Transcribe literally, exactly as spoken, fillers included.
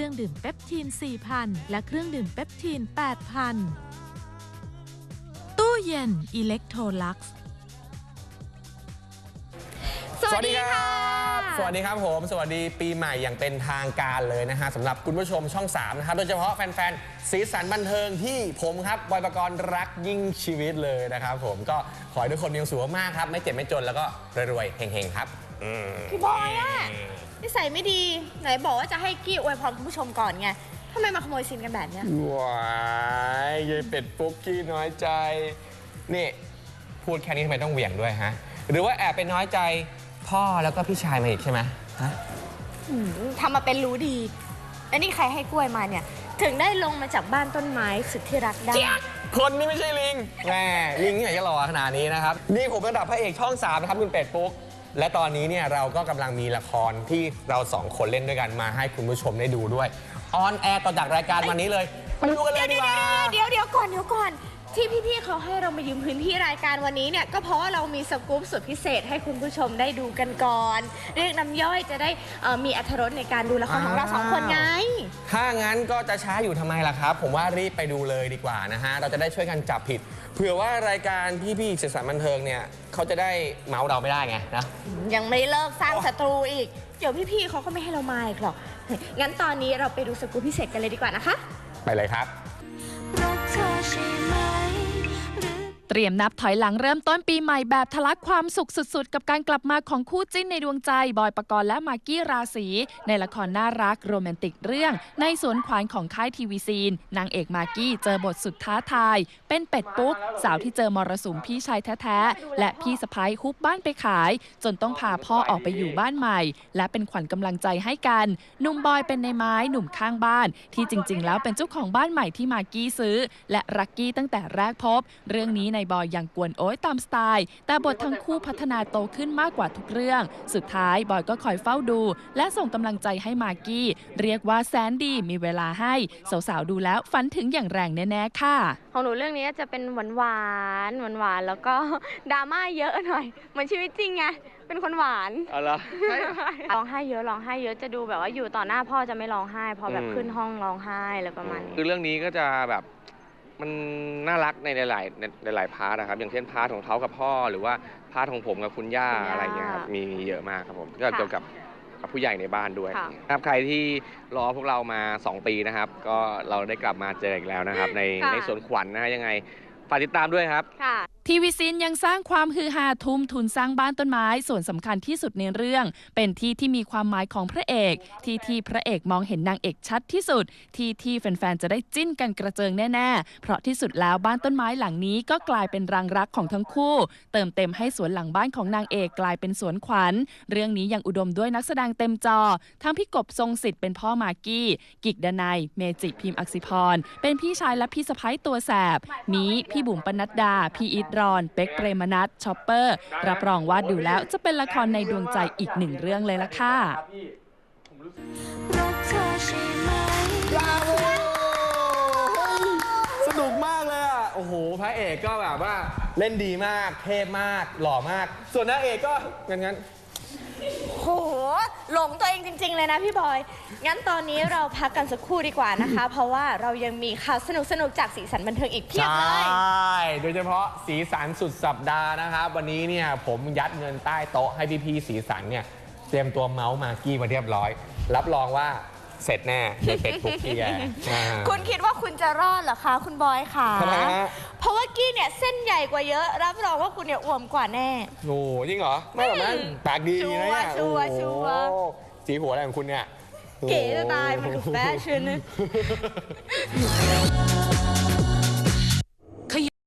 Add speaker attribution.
Speaker 1: รื่องดื่มเปปทีน สี่พัน และเครื่องดื่มเปปทีน แปดพัน ตู้เย็นอิเล็กโทรลักซ์
Speaker 2: สวัสดีครับสวัสดีครับผมสวัสดีปีใหม่อย่างเป็นทางการเลยนะฮะสำหรับคุณผู้ชมช่องสามนะครับโดยเฉพาะแฟนๆสีสันบันเทิงที่ผมครับบอยปกรณ์รักยิ่งชีวิตเลยนะครับผมก็ขอให้ทุกคนมีความสุขมากครับไม่เจ็บไม่จนแล้วก็รวยๆเฮงๆครับ
Speaker 3: พี่บอยอะนิสัยไม่ดีไหนบอกว่าจะให้กี้อวยพรคุณผู้ชมก่อนไงทำไมมาขโมยซีนกันแบบเนี้ย
Speaker 2: ว้ายยายเป็ดปุ๊กกี้น้อยใจนี่พูดแค่นี้ทำไมต้องเหวี่ยงด้วยฮะหรือว่าแอบไปน้อยใจพ่อแล้วก็พี่ชายมาอีกใช่ไหมฮะ
Speaker 3: ทำมาเป็นรู้ดีแล้วนี่ใครให้กล้วยมาเนี่ยถึงได้ลงมาจากบ้านต้นไม้สุดที่รักได้
Speaker 2: คนนี่ไม่ใช่ลิงแม่ลิงที่ไหนจะหล่อขนาดนี้นะครับนี่ผมระดับพระเอกช่องสามนะครับคุณเป็ดปุ๊กและตอนนี้เนี่ยเราก็กำลังมีละครที่เราสองคนเล่นด้วยกันมาให้คุณผู้ชมได้ดูด้วยออนแอร์ต่อจากรายการวันนี้เลยไปดูกันเลยดีกว่า
Speaker 3: เดี๋ยวเดี๋ยวก่อนเดี๋ยวก่อนที่พี่ๆเขาให้เรามายืมพื้นที่รายการวันนี้เนี่ยก็เพราะว่าเรามีสกู๊ปสุดพิเศษให้คุณผู้ชมได้ดูกันก่อนเรียกน้ำย่อยจะได้มีอรรถรสในการดูละครของเราสองคนไง
Speaker 2: ถ้างั้นก็จะช้าอยู่ทำไมล่ะครับผมว่ารีบไปดูเลยดีกว่านะฮะเราจะได้ช่วยกันจับผิดเผื่อว่ารายการพี่ๆสีสันบันเทิงเนี่ยเขาจะได้เมาส์เราไม่ได้ไงนะ
Speaker 3: ยังไม่เลิกสร้างศัตรูอีกเดี๋ยวพี่ๆเขาก็ไม่ให้เรามาอีกหรอกงั้นตอนนี้เราไปดูสกู๊ปพิเศษกันเลยดีกว่านะคะ
Speaker 2: ไปเลยครับ
Speaker 1: เตรียมนับถอยหลังเริ่มต้นปีใหม่แบบทะลักความสุขสุดๆกับการกลับมาของคู่จิ้นในดวงใจบอยปกรณ์และมากกี้ราศีในละครน่ารักโรแมนติกเรื่องในสวนขวานของค่ายทีวีซีนนางเอกมากกี้เจอบทสุดท้าทายเป็นเป็ดปุ๊กสาวที่เจอมรสุมพี่ชายแท้ๆและพี่สะพ้ายฮุบบ้านไปขายจนต้องพาพ่อออกไปอยู่บ้านใหม่และเป็นขวัญกำลังใจให้กันหนุ่มบอยเป็นในไม้หนุ่มข้างบ้านที่จริงๆแล้วเป็นเจ้าของบ้านใหม่ที่มากกี้ซื้อและรักกี้ตั้งแต่แรกพบเรื่องนี้ในบอยยังกวนโอ๊ยตามสไตล์แต่บททั้งคู่พัฒนาโตขึ้นมากกว่าทุกเรื่องสุดท้ายบอยก็คอยเฝ้าดูและส่งกำลังใจให้มากกี้เรียกว่าแสนดีมีเวลาให้สาวๆดูแล้วฝันถึงอย่างแรงแน่ๆค่ะ
Speaker 3: ของหนูเรื่องนี้จะเป็นหวานหวานหวานหวานแล้วก็ดราม่าเยอะหน่อยเหมือนชีวิตจริงไงเป็นคนหวาน
Speaker 2: อ๋อเหรอ
Speaker 3: ร้องไห้เยอะร้องไห้เยอะจะดูแบบว่าอยู่ต่อหน้าพ่อจะไม่ร้องไห้พอแบบขึ้นห้องร้องไห้อะไรประมาณนี้
Speaker 4: คือเรื่องนี้ก็จะแบบมันน่ารักในหลายๆในหลายพาร์ทนะครับอย่างเช่นพาร์ทของเขากับพ่อหรือว่าพาร์ทของผมกับคุณย่าอะไรเงี้ยครับมีเยอะมากครับผมก็เกี่ยวกับกับผู้ใหญ่ในบ้านด้วยครับใครที่รอพวกเรามาสองปีนะครับก็เราได้กลับมาเจออีกแล้วนะครับในในสวนขวัญนะฮะยังไงฝากติดตามด้วยครับ
Speaker 1: ทีวีซีนยังสร้างความฮือฮาทุ่มทุนสร้างบ้านต้นไม้ส่วนสำคัญที่สุดในเรื่องเป็นที่ที่มีความหมายของพระเอกที่ที่พระเอกมองเห็นนางเอกชัดที่สุดที่ที่แฟนๆจะได้จิ้นกันกระเจิงแน่ๆเพราะที่สุดแล้วบ้านต้นไม้หลังนี้ก็กลายเป็นรังรักของทั้งคู่เติมเต็มให้สวนหลังบ้านของนางเอกกลายเป็นสวนขวัญเรื่องนี้ยังอุดมด้วยนักแสดงเต็มจอทั้งพี่กบทรงสิทธิ์เป็นพ่อมากกี้กิกดนัยเมจิพิมพ์อักษิพรเป็นพี่ชายและพี่สะใภ้ตัวแสบมีพี่บุ๋มปนัดดาพี่อิทรอนเป็กเปรมนัทชอปเปอร์รับรองว่าดูแล้วจะเป็นละครในดวงใจอีกหนึ่งเรื่องเลยล่ะค่ะ
Speaker 2: สนุกมากเลยอ่ะโอ้โหพระเอกก็แบบว่าเล่นดีมากเทพมากหล่อมากส่วนนางเอกก็งั้นงั้น
Speaker 3: โหหลงตัวเองจริงๆเลยนะพี่บอยงั้นตอนนี้เราพักกันสักครู่ดีกว่านะคะเพราะว่าเรายังมีข่าวสนุกๆจากสีสันบันเทิงอีกเพียบเลย
Speaker 2: ใช่โดยเฉพาะสีสันสุดสัปดาห์นะครับวันนี้เนี่ยผมยัดเงินใต้โต๊ะให้พี่ๆสีสันเนี่ยเตรียมตัวเมาส์มากกี้มาเรียบร้อยรับรองว่าเสร็จแน่ในเป็ดปุ๊กกี้แก
Speaker 3: คุณคิดว่าคุณจะรอดเหรอคะคุณบอยค่ะ
Speaker 2: ทำไมฮะ
Speaker 3: เพราะว่ากี้เนี่ยเส้นใหญ่กว่าเยอะรับรองว่าคุณเนี่ยอ้วนกว่าแน่
Speaker 2: โอ้จริงเหรอไม่หรอกมั้งปากดีนะเนี่ย
Speaker 3: ชัวร์ชัวร์
Speaker 2: สีหัวอะไรของคุณเนี่ย
Speaker 3: เก๋จะตายมันดูแฟชั่น